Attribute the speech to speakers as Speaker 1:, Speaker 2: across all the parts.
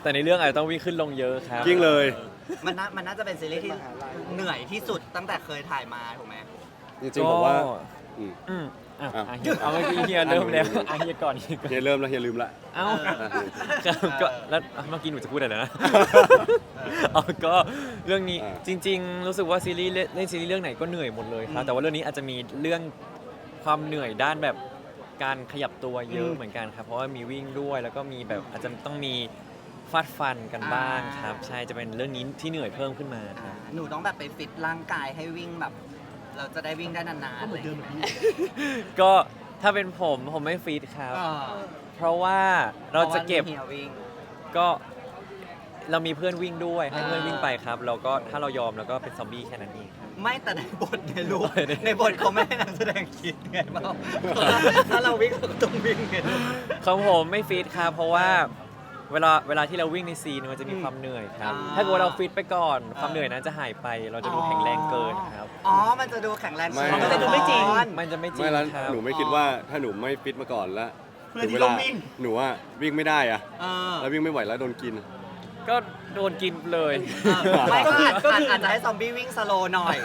Speaker 1: แต่ในเรื่องอาจจะต้องวิ่งขึ้นลงเยอะครับ
Speaker 2: ยิ่งเลย
Speaker 3: มันน่าจะเป็นซีรีส์ที่เหนื่อยที่สุดตั้งแต่เคยถ่ายมาถูกไหม
Speaker 2: จริงๆบอกว่าอืม
Speaker 1: อืมอ่ะ
Speaker 2: อ่ะ
Speaker 1: เฮียเอาเมื่อกี้เฮียเริ่มแล้วเฮียก่อนเฮียก่อน
Speaker 2: เฮียเริ่มแล้วเฮียลืมละ
Speaker 1: เอ้าครับก็แล้วเมื่อกี้หนูจะพูดอะไรนะเอาก็เรื่องนี้จริง ๆ รู้สึกว่าซีรีส์เล่นซีรีส์เรื่องไหนก็เหนื่อยหมดเลยครับแต่ว่าเรื่องนี้อาจจะมีเรื่องความเหนื่อยด้านแบบการขยับตัวเยอะเหมือนกันครับเพราะว่ามีวิ่งด้วยแล้วก็มีแบบอาจจะต้องมีฟาดฟันกันบ้างครับใช่จะเป็นเรื่องนี้ที่เหนื่อยเพิ่มขึ้นมาครับ
Speaker 3: หนูต้องแบบไปฟิตร่างกายให้วิ่งแบบ เราจะได้วิ่งได้นานๆ
Speaker 4: ก็เหมือนเดิมแบบนี้
Speaker 1: ก็ถ้าเป็นผมไม่ฟีดครับ เพราะว่าเราจะเก็บ
Speaker 3: พราว่ามีฮียวิ่ง
Speaker 1: ก็เรามีเพื่อนวิ่งด้วยให้เพื่อนวิ่งไปครับแล้วก็ถ้าเรายอมแล้วก็เป็นซอมบี้แค่นั้นเองครับ
Speaker 3: ไม่แต่ในบทในรูป
Speaker 1: ใน
Speaker 3: ในบทเขาไม่ให้นักแสดงคิดไงเปล่าถ้าเราวิ่งเราก็ต้องวิ่งไง
Speaker 1: ของผมไม่ฟีดครับเพราะว่าเวลาที่เราวิ่งในซีนมันจะมีความเหนื่อยครับถ้าเกิดว่าเราฟิตไปก่อนความเหนื่อยนั้นจะหายไป เราจะดูแข็งแรงเกินครับ
Speaker 3: อ๋อ มันจะดูแข็งแรง
Speaker 2: ไม่
Speaker 3: มันจะดูไม่จริง
Speaker 1: มันจะไม่จริ
Speaker 2: ไม่
Speaker 1: ง
Speaker 2: แล้ว
Speaker 1: ครับ
Speaker 2: หนูไม่คิดว่าถ้าหนูไม่ฟิตมาก่อนแล้ว
Speaker 4: เพื่อนที่
Speaker 2: ถึง
Speaker 4: ต้องวิ่ง
Speaker 2: หนูว่าวิ่งไม่ได้อะ
Speaker 3: เออ
Speaker 2: แล้ววิ่งไม่ไหวแล้วโดนกิน
Speaker 1: ก็โดนกินเลย
Speaker 3: ไม่ก็อาจจะให้ซอมบี้วิ่งสโลว์หน่อย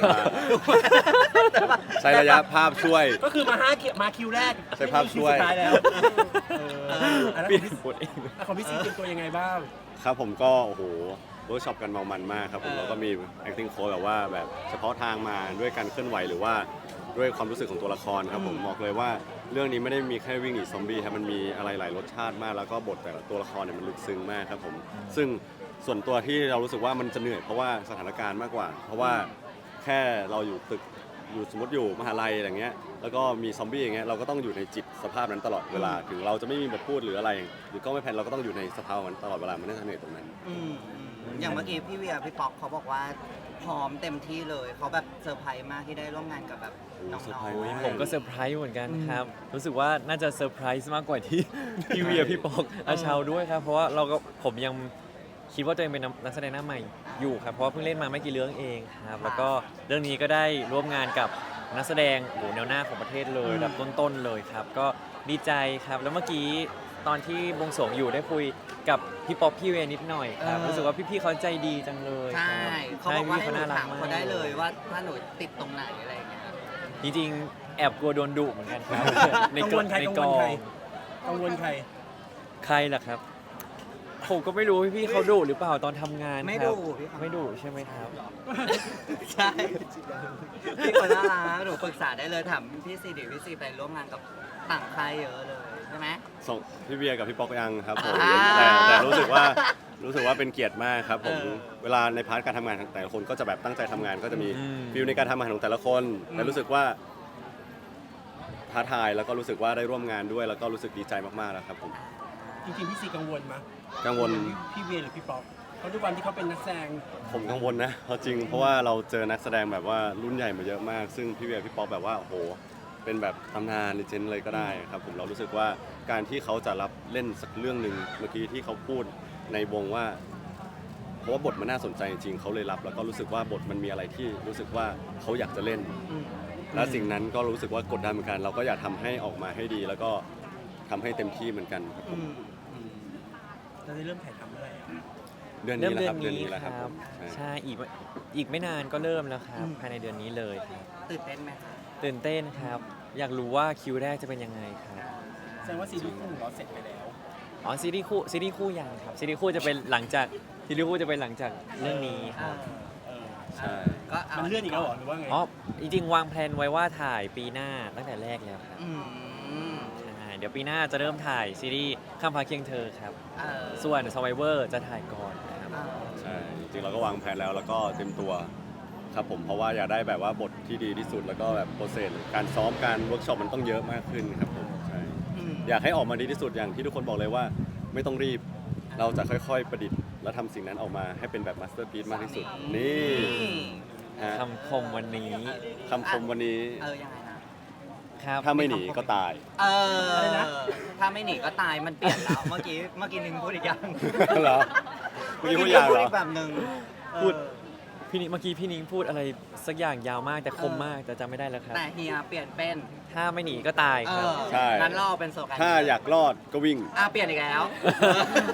Speaker 2: ใช้ระยะภาพช่วย
Speaker 4: ก็คือมาคิวแรก
Speaker 2: ใช้ภาพช่วย
Speaker 4: ไม่มีคิสุดท้ายแล้วอันนั้น
Speaker 1: ปิดหมดเอง
Speaker 4: ของพี่ซีเตรียมตัวยังไงบ้าง
Speaker 2: ครับผมก็โอ้โหเวิร์กช็อปกันเมามันมากครับผมแล้วก็มี acting coach แบบว่าแบบเฉพาะทางมาด้วยการเคลื่อนไหวหรือว่าด้วยความรู้สึกของตัวละครครับผมบอกเลยว่าเรื่องนี้ไม่ได้มีแค่วิ่งหนีซอมบี้ครับมันมีอะไรหลายรสชาติมากแล้วก็บทแต่ละตัวละครเนี่ยมันลึกซึ้งมากครับผมซึ่งส่วนตัวที่เรารู้สึกว่ามันจะเหนื่อยเพราะว่าสถานการณ์มากกว่า เพราะว่าแค่เราอยู่ตึกอยู่สมมติอยู่มหาลัยอะไรเงี้ยแล้วก็มีซอมบี้อย่างเงี้ยเราก็ต้องอยู่ในจิตสภาพนั้นตลอดเวลาถึงเราจะไม่มีบทพูดหรืออะไร หรือก็ไม่แพนเราก็ต้องอยู่ในสภาพนั้นตลอดเวลามันน่าจะเหนื่อยตรงนั้น
Speaker 3: อย่างเมื่อกี้พี่เวียพี่ป๊อกเขาบอกว่าพร้อมเต็มที่เลยเขาแบบเซอร์ไพรส์มากที่ได้ร่วมงานกับแบบน้
Speaker 2: เซอร์ไพร
Speaker 3: อ
Speaker 2: ส์
Speaker 3: ง
Speaker 2: มาก
Speaker 1: ผมก็เซอร์ไพรส์เหมือนกันครับ รู้สึกว่าน่าจะเซอร์ไพรส์มากกว่าที่ พี่เวียพี่ปอกอาชาวด้วยครับ เพราะว่าผมยังคิดว่าตัวเองเป็นนักแสดงหน้าใหม่อยู่ครับ เพราะว่าเพิ่งเล่นมาไม่กี่เรื่องเองครับ แล้วก็เรื่องนี้ก็ได้ร่วมงานกับนักแสดงโอ้โหแนวหน้าของประเทศเลยระดับต้นๆเลยครับ ก็ดีใจครับ แล้วเมื่อกี้ตอนที่บวงสรวงอยู่ได้คุยกับพี่ป๊อปพี่เวนิดหน่อยครับ รู้สึกว่าพี่ๆเขาใจดีจังเลย
Speaker 3: ใช่
Speaker 1: ครับ
Speaker 3: เขาบอกว่า
Speaker 1: พี่
Speaker 3: ให้หนู
Speaker 1: น่ารัก
Speaker 3: ถาม
Speaker 1: มาก
Speaker 3: เขาได้เลยว่าถ้าหนูติดตรงไหนอะไรอย่างเงี้ย
Speaker 1: จริงๆแอบกลัวโดนดุเหมือนกันครับ ใน
Speaker 4: กังวลใคร
Speaker 1: ใน
Speaker 4: กัง
Speaker 1: ก
Speaker 4: ว
Speaker 1: อ
Speaker 4: ลใคร
Speaker 1: ง
Speaker 4: กังวลใคร
Speaker 1: ใครล่ะครับ ผมก็ไม่รู้พี่ๆเขาดุหรือเปล่าตอนทำงาน
Speaker 3: ไม่
Speaker 1: ครั
Speaker 3: ดุ
Speaker 1: บ
Speaker 3: พี่เขา
Speaker 1: ไม่ดุใช่ไหมครับ
Speaker 3: ใช่พี่คนน่ารักหนูปรึกษาได้เลยถามพี่ซีดิพี่ซีไปร่วมงานกับต่างค่ายเยอะเลยใช่ไหม
Speaker 2: ส่งพี่เบียร์กับพี่ป๊อกยังครับผม
Speaker 3: อ่า
Speaker 2: แต่รู้สึกว่าเป็นเกียรติมากครับผม
Speaker 3: เออ
Speaker 2: เวลาในพาร์ทการทำงานของแต่ละคนก็จะแบบตั้งใจทำงานก็จะมี
Speaker 1: อืม
Speaker 2: ฟิลในการทำงานของแต่ละคน แต่รู้สึกว่าท้าทายแล้วก็รู้สึกว่าได้ร่วมงานด้วย แล้วก็รู้สึกดีใจมากๆแล้วครับผม
Speaker 4: จริงๆพี่ซีกังวลมั้ย
Speaker 2: กังวล
Speaker 4: พี่เวียหรือพี่ป๊อกเพราะด้วยความที่เขาเป็นนักแสดง
Speaker 2: ผมกังวลนะเอาจริงเพราะว่าเราเจอนักแสดงแบบว่ารุ่นใหญ่มาเยอะมาก ซึ่งพี่เบียร์พี่ป๊อกแบบว่าโอ้โหเป็นแบบตำนานเลเจนด์เลยก็ได้ครับผมเรารู้สึกว่าการที่เขาจะรับเล่นสักเรื่องหนึ่งเมื่อกี้ที่เขาพูดในวงว่า เพราะว่าบทมันน่าสนใจจริงๆเขาเลยรับ แล้วก็รู้สึกว่าบทมันมีอะไรที่รู้สึกว่าเขาอยากจะเล่น และสิ่งนั้นก็รู้สึกว่ากดดันเหมือนกัน เราก็อยากทำให้ออกมาให้ดี แล้วก็ทำให้เต็มที่เหมือนกันครับผม
Speaker 4: เราได้เริ่มถ่ายทำเมื่อไหร่อะ
Speaker 2: เดือนนี้แหละครับเดือนนี้แหละครับผม
Speaker 1: ใช่อีกไม่นานก็เริ่มแล้วครับ ภายในเดือนนี้เลยครับ
Speaker 3: ตื่นเต้นไหมคะ
Speaker 1: ตื่นเต้นครับ อยากรู้ว่าคิวแรกจะเป็นยังไงครับ
Speaker 4: แสดงว่าซีรีส์คู่ของเราเสร็จไปแล้ว
Speaker 1: อ๋อซีรีส์คู่ยังครับซีรีส์คู่จะเป็นหลังจากเรื่องนี้ครับ
Speaker 2: ใช่
Speaker 3: ก็า
Speaker 4: มันเลื่อนอีกแล้วเหรอหรือว่าไง
Speaker 1: อ๋อจริงๆวางแผนไว้ว่าถ่ายปีหน้าตั้งแต่แรกแล้วครับ
Speaker 3: อืม
Speaker 1: ใช่เดี๋ยวปีหน้าจะเริ่มถ่ายซีรีส์ข้ามฟ้าเคียงเธอครับ
Speaker 3: เออ
Speaker 1: ส่วน Survivor จะถ่ายก่อนนะครับ
Speaker 3: เออ
Speaker 2: ใช่จริงๆเราก็วางแผนแล้วก็เต็มตัวครับผมเพราะว่าอยากได้แบบว่าบทที่ดีที่สุดแล้วก็แบบโปรเซสการซ้อมการเวิร์กช็อปมันต้องเยอะมากขึ้นครับผมใช่
Speaker 3: อืม
Speaker 2: อยากให้ออกมาดีที่สุดอย่างที่ทุกคนบอกเลยว่า ไม่ต้องรีบ เราจะค่อยๆประดิษฐ์ และทำสิ่งนั้นออกมาให้เป็นแบบมาสเตอร์พีซมากที่สุด นี่ฮะ
Speaker 1: คำคมวันนี้
Speaker 2: คำชมวันนี้
Speaker 3: ยังไงนะ
Speaker 1: ครับ
Speaker 2: ถ้าไม่หนีก็ตาย
Speaker 3: อะไรนะ ถ้าไม่หนีก็ตายมันเปลี่ยนแล้ว เมื่อกี้นึงพูดอีกอย่าง
Speaker 2: เหรอเมื่อกี้พูดยาวเหรอ
Speaker 3: อีกแบบหนึ่ง
Speaker 1: พูด เมื่อกี้พี่นิ้งพูดอะไรสักอย่างยาวมากแต่คมมากแต่จำไม่ได้แล้วครับ
Speaker 3: แต่เฮียเปลี่ยนเป็น
Speaker 1: ถ้าไม่หนีก็ตายครับ
Speaker 2: ใช่
Speaker 3: งั้นเราเป็นโซกัน
Speaker 2: ถ้าอยากรอดก็วิ่ง
Speaker 3: เปลี่ยนอีกแล้ว
Speaker 1: อ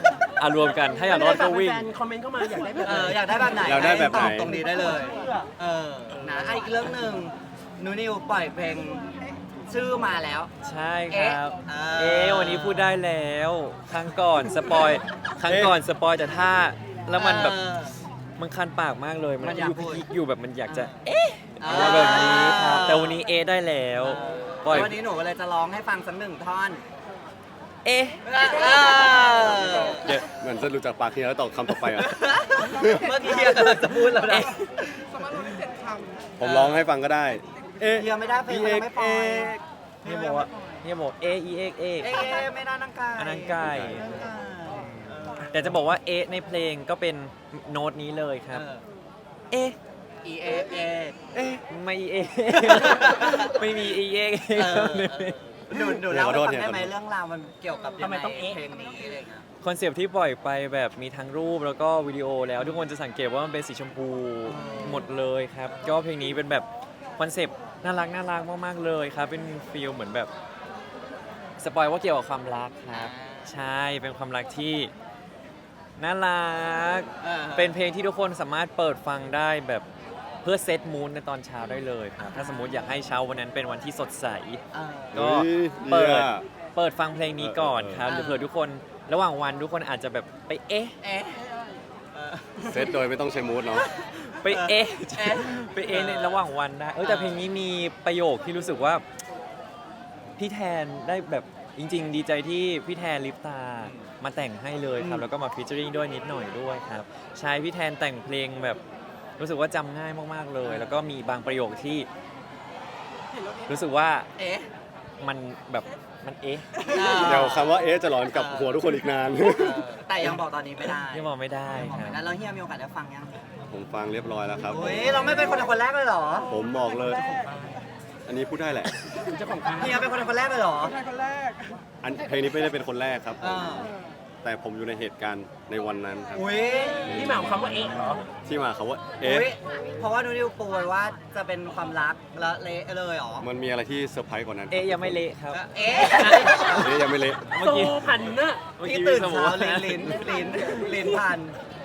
Speaker 1: รวมกันถ้าอยากรอดก็วิ่ง
Speaker 4: แฟนๆคอมเมนต์เข้ามาอยากได้แบบ
Speaker 3: อยากได้แบบไหน
Speaker 2: อยากได้แบบไหน
Speaker 3: ตอบตรงนี้ได้เลยนะอีกเรื่องหนึ่งนูนิวปล่อยเพลงชื่อมาแล้ว
Speaker 1: ใช่ครับ
Speaker 3: เอ๊ะ
Speaker 1: วันนี้พูดได้แล้วครั้งก่อนสปอยแต่ถ้าแล้วมันแบบมันคันปากมากเลย
Speaker 3: มันอยากพูด
Speaker 1: อยู่แบบมันอยากจะ
Speaker 3: อะไร
Speaker 1: แบบนี้ครับแต่วันนี้ได้แล้วปล่อย
Speaker 3: วันนี้หนูก็เลยจะร้องให้ฟังสักหนึ่งท่อน
Speaker 1: เอ๊ะ
Speaker 2: เดี๋ยวเหมือนจะรู้จักปากเฮียแล้วตอบคำต่อไปอ่ะ
Speaker 3: เมื่อกี้เฮียกำลังจะพูดแล้วนะ
Speaker 2: ผมร้องให้ฟังก็ได้ เอ๊ะ
Speaker 3: เฮียไม่ได้เพลงมันยังไม่ปล่อย
Speaker 1: เนี่ยบอกว่าเอเอ
Speaker 3: เอ๊ะไม่ได้นังกาย
Speaker 1: อันนั้นไก่ แต่จะบอกว่าในเพลงก็เป็นโน้ตนี้เลยครับ เอ๊ะ
Speaker 3: เอเอ
Speaker 1: ไม่ไม่มีเอ
Speaker 3: หนูเล่าให้ฟังได้ไหมเรื่องราวมันเกี่ยวกับยังไงเพลงนี้อะไรเงี้ย
Speaker 1: คอนเซปต์ที่ปล่อยไปแบบมีทั้งรูปแล้วก็วิดีโอแล้วทุกคนจะสังเกตว่ามันเป็นสีชมพูหมดเลยครับ ก็เพลงนี้เป็นแบบคอนเซปต์น่ารักมากๆเลยครับ เป็นฟีลเหมือนแบบสปอยว่าเกี่ยวกับความรักครับ ใช่เป็นความรักที่น่ารัก เป็นเพลงที่ทุกคนสามารถเปิดฟังได้แบบเพื่อเซตมูนในตอนเช้าได้เลยครับ ถ้าสมมติอยากให้เช้าวันนั้นเป็นวันที่สดใส ก็
Speaker 2: เฮ้ย
Speaker 1: เปิดฟังเพลงนี้ก่อนครับหรือเผื่อทุกคนระหว่างวันทุกคนอาจจะแบบไป
Speaker 3: เอ๊ะ
Speaker 2: เซตโดยไม่ต้องใช้มูดเนาะ
Speaker 1: ไปในระหว่างวันได้แต่เพลงนี้มีประโยคที่รู้สึกว่าพี่แทนได้แบบจริง ๆ ดีใจที่พี่แทนลิปตามาแต่งให้เลยครับแล้วก็มาฟีเจอริ่งด้วยนิดหน่อยด้วยครับใช่พี่แทนแต่งเพลงแบบรู้สึกว่าจำง่ายมากๆเลย แล้วก็มีบางประโยคที่รู้สึกว่ามันแบบมัน
Speaker 2: เดี๋ยวคำว่าจะหลอนกับหัวทุกคนอีกนาน
Speaker 3: แต่ยังบอกตอนนี้ไม่ได้
Speaker 1: ยังบอกไม่ได้ครับ
Speaker 3: แล้วเฮียมีโอกาสได้ฟังยัง
Speaker 2: ผมฟังเรียบร้อยแล้วครับ
Speaker 3: เราไม่เป็นคนแรกเลยเหรอ
Speaker 2: ผมบอกเลย อันนี้พูดได้แหละ
Speaker 4: เจ้าของค่าย
Speaker 3: เฮียเป็นคนแรกเลยเหรอ
Speaker 2: เพลงนี้ไม่ได้เป็นคนแรกครับ แต่ผมอยู่ในเหตุการณ์ในวันนั้นครับ
Speaker 4: ที่มาของคำว่าเอ๊ะเหรอ
Speaker 2: ที่มาเขาว่า
Speaker 3: เพราะว่านูนิวปูไว้ว่าจะเป็นความรักแล้วเละเลยเหรอ
Speaker 2: มันมีอะไรที่เซอร์ไพรส์กว่านั้น
Speaker 1: ยังไม่เละครับ
Speaker 2: ยังไม่เละ
Speaker 1: เมื่อ
Speaker 4: โซ
Speaker 1: กี้
Speaker 4: พันน่ะ
Speaker 3: ที่ตื่นเช้าลิ้นพัน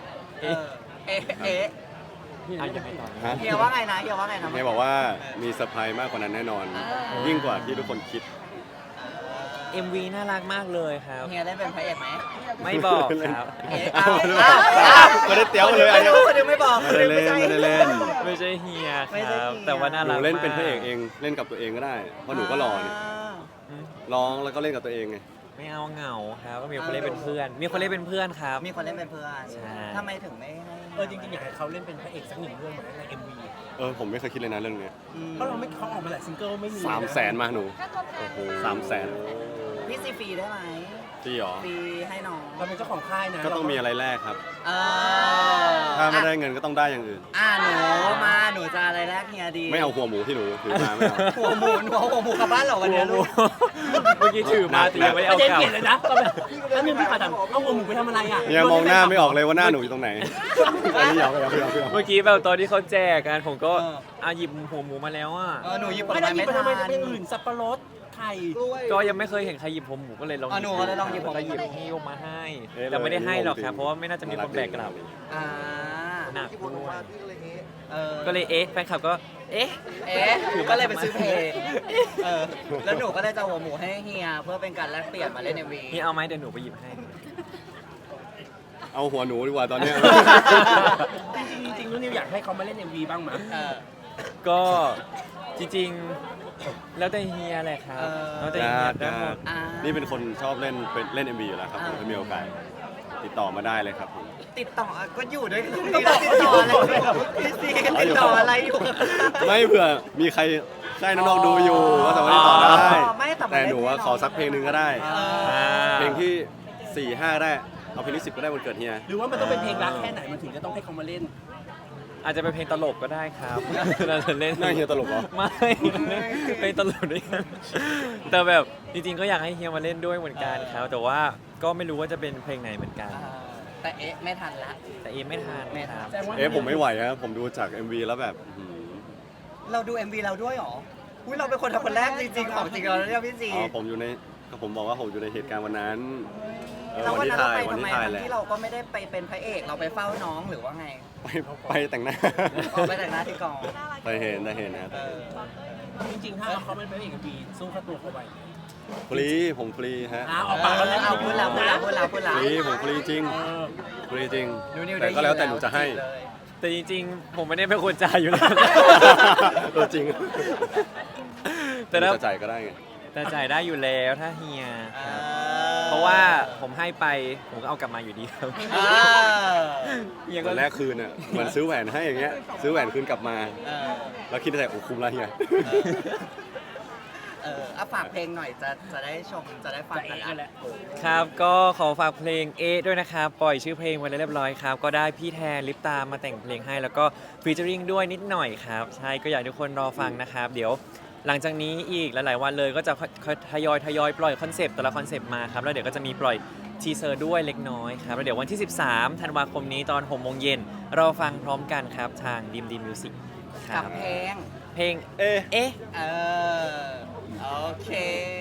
Speaker 1: ยังไม่ตอน
Speaker 2: ฮะ
Speaker 3: เฮียว่าไงนะ
Speaker 2: เฮียบอกว่ามีเซอร์ไพรส์มากกว่านั้นแน่นอน ยิ่งกว่าที่ทุกคนคิด
Speaker 1: MV น่ารักมากเลยครับ
Speaker 3: เฮียได้เป็นพระเอกไหม
Speaker 1: ไม่บอกครับ
Speaker 2: ไม่ได้เตี้ยวเลย
Speaker 3: ไม่รู้คนนึงไม่บอก
Speaker 2: ไม่ได้เล่นไม่ได้เล่น
Speaker 1: ไม่ใช่เฮีย
Speaker 3: ไม่
Speaker 1: ค
Speaker 3: ใช่
Speaker 1: รับ
Speaker 3: เฮีย
Speaker 1: แต่ว่าน่า
Speaker 2: หนู
Speaker 1: รัก
Speaker 2: เล่นเป็นพระเอก
Speaker 1: มาก
Speaker 2: เองเล่นกับตัวเองก็ได้เพราะหนูก็หล่อนี่ร้องแล้วก็เล่นกับตัวเองไง
Speaker 1: ไม่เอาเหงาครับก็มีคนเล่นเป็นเพื่อน มีคนเล่นเป็นเพื่อนครับ
Speaker 3: มีคนเล่นเป็นเพื่อน
Speaker 1: ใช่
Speaker 3: ทำไมถึงไม่ให้
Speaker 4: จริงๆอยากให้เขาเล่นเป็นพระเอกสักหนึ่งเรื่องเหมือนใน MV
Speaker 2: ผมไม่เคยคิดเลยนะเรื่องเนี้ย
Speaker 4: เพราะเขาออกมาหลายซิงเกิลไม่มี
Speaker 2: 300,000มาหนูโอ้โห300,000
Speaker 3: พี่ซีฟรีได้ไหม
Speaker 2: พี่หรอ
Speaker 3: ฟรีให้น้อง
Speaker 4: เราเป็นเจ้าของค่ายนะ
Speaker 2: ก็ต้องมีอะไรแรกครับ
Speaker 3: เอ
Speaker 2: ถ้าไม่ได้เงินก็ต้องได้อย่างอื่น
Speaker 3: หนูจะอะไรแรกเฮียดี
Speaker 2: ไม่เอาหัวหมูที่หนูถือมาไม่เอา
Speaker 3: หัวหมูกลับบ้านเหรอวันนี้ลูก
Speaker 1: เมื่อกี้ถือมาแต่ยังไม่ได้
Speaker 4: เอา
Speaker 1: เอา
Speaker 4: เจน
Speaker 1: กลับ
Speaker 4: เปลี่ยนเลยนะตอนแบบแล้วนึงพี่ขาดเอาหัวหมูไปทำอะไรอ่ะ
Speaker 2: เนี่ยมองหน้าไม่ออกเลยว่าหน้าหนูอยู่ตรงไหนอันนี้เอา
Speaker 1: เมื่อกี้แบบตอนที่เขาแจกกันผมก็หยิบหัวหมูมาแล้วอ่ะ
Speaker 3: หนูหยิบผล
Speaker 4: ไม่ได้
Speaker 3: ไม้
Speaker 4: หยิบ
Speaker 3: ไม่
Speaker 4: ไปทำไม
Speaker 3: ทัน
Speaker 4: เป็นอื่นสับปะรดไข่
Speaker 1: ก็ยังไม่เคยเห็นใครหยิบหัวหมูก็เลยลอง
Speaker 3: หนูก็เลยลองหยิบ
Speaker 1: ก็หยิบหิ้วมาให้ แต่ไม่ได้ให้หรอกครับ เพราะว่าไม่น่าจะมีคนแบกกลับ
Speaker 3: อ่า
Speaker 1: หนักด้วย
Speaker 3: เออ
Speaker 1: ก็เลยแฟนคลับก็
Speaker 3: ก็เลยไปซื้อเพลงแล้วหนูก็เลยจะหัวหมูให้เฮียเพื่อเป็นการแลกเปลี่ยนมาเล่นในวี
Speaker 1: นี่เอาไหมเดี๋ยวหนูไปหยิบให้
Speaker 2: เอาหัวหนูดีกว่าตอนเนี้ย
Speaker 4: จริงๆนุ่นนิวอยากให้เขามาเล่น MV บ้างมั้ย
Speaker 1: ก็จริงๆแล้วแต่เฮียแหละครับแล้วแต่เฮียได้หมด
Speaker 2: นี่เป็นคนชอบเล่น MV อยู่แล้วครับผมถ้ามีโอกาสติดต่อมาได้เลยครับผม
Speaker 3: ติดต่อก็อยู่ด้วยกันติดต่ออะไรพี่ซีติดต่ออะไรอยู่
Speaker 2: ไม่เผื่อมีใครใกล้น้องๆดูอยู่ก็สามารถติดต่อได้ แต่หนูว่าขอสักเพลงหนึ่งก็ได้ เพลงที่ 4-5 ได้ เอาเพลงที่ 10 ก็ได้วันเกิดเฮีย
Speaker 4: หรือว่ามันต้องเป็นเพลงรักแค่ไหนมันถึงจะต้องให้เขามาเล่น
Speaker 1: อาจจะเป็นเพลงตลกก็ได้ครับ เราจะเล่น
Speaker 2: หน้าเฮียตลกเหรอ
Speaker 1: ไม่เพลงตลกด้วยกันแต่แบบจริงๆก็อยากให้เฮียมาเล่นด้วยเหมือนกันครับแต่ว่าก็ไม่รู้ว่าจะเป็นเพลงไหนเหมือนกัน
Speaker 3: แต่ไม่ทันละ
Speaker 1: แต่ไม่ทันครับ
Speaker 2: ผมไม่ไหวครับผมดูจาก MV แล้วแบบ
Speaker 3: เราดู MV เราด้วยหรออุ้ยเราเป็นคนทำคนแรกจริงๆของจริงเราเนี่ยพี่ซี
Speaker 2: ผมอยู่ในผมบอกว่าผมอยู่ในเหตุการณ์วันนั้น
Speaker 3: แล้ว
Speaker 2: วั
Speaker 3: วัน
Speaker 2: ที่
Speaker 3: นั้นเรา
Speaker 2: ถ่าย
Speaker 3: ไป
Speaker 2: วัน
Speaker 3: ทำไม
Speaker 2: ที่ถ่าย
Speaker 3: ทั้ง
Speaker 2: แหละ
Speaker 3: ที่เราก็ไม่ได้ไปเป็นพระเอกเราไปเฝ้าน้องหรือว่าไง
Speaker 2: ไปแต่งหน้า
Speaker 3: ออกไปแต่งหน้าที่กอง
Speaker 2: ไปเห็นนะครับ
Speaker 3: เออ
Speaker 4: จริงๆถ้าเขาไม่เป็นเอกบีสู้ค่าตัวเขาไป
Speaker 2: ฟรีผมฟรีฮะ
Speaker 4: ออกปากแล้วนะ
Speaker 3: เอาพูดแล้วพูดแล้วพูดแล้วพูดแล้ว
Speaker 2: ฟรีผมฟรีจริง
Speaker 4: เออ
Speaker 2: ฟรีจริง
Speaker 3: นิว
Speaker 2: แต่ก็แล้วแต่หนูจะให้
Speaker 3: เลย
Speaker 1: แต่จริงๆ ผมไม่ได้เป็นคนจ่ายอยู่แล้ว
Speaker 2: จริง
Speaker 1: แต่ถ้า
Speaker 2: จะจ่ายก็ได้ไง
Speaker 1: แต่จ่ายได้อยู่แล้วถ้าเฮีย
Speaker 3: อ่
Speaker 1: ครับเพราะว่าผมให้ไปผมก็เอากลับมาอยู่ดีครับ
Speaker 3: อ่า
Speaker 1: เฮีย
Speaker 2: ต
Speaker 1: ก็
Speaker 2: อนแรกคืนอ่ะเหมือนซื้อแหวนให้อย่างเงี้ยซื้อแหวนคืนกลับมา
Speaker 3: เออ
Speaker 2: แล้วคิดในใจโอ้คุ้มแล้วเฮีย
Speaker 3: เอาฝากเพลงหน่อยจะได้ชมจะได้ฟัง
Speaker 4: จะ
Speaker 3: กั
Speaker 4: เอน ก
Speaker 3: ละ
Speaker 4: กันแหละ
Speaker 1: ครับก็ขอฝากเพลงเอด้วยนะครับ ปล่อยชื่อเพลงไว้แล้วเรียบร้อยครับ ก็ได้พี่แทนลิปตามาแต่งเพลงให้ แล้วก็ฟีเจอริงด้วยนิดหน่อยครับ ใช่ก็อยากให้ทุกคนรอฟังนะครับ เดี๋ยวหลังจากนี้อีกหลายๆวันเลยก็จะค่อยทยอยปล่อยคอนเซปต์แต่ละคอนเซปต์มาครับแล้วเดี๋ยวก็จะมีปล่อยทีเซอร์ด้วยเล็กน้อยครับแล้วเดี๋ยววันที่ 13 ธันวาคมนี้ตอน 6 โมงเย็นเราฟังพร้อมกันครับทางดีมดีมิวสิกค
Speaker 3: กั
Speaker 1: รั
Speaker 3: บบ เพลง
Speaker 1: เพลง
Speaker 2: เอ๊ะ
Speaker 1: เอ๊ะ
Speaker 3: เออ โอเค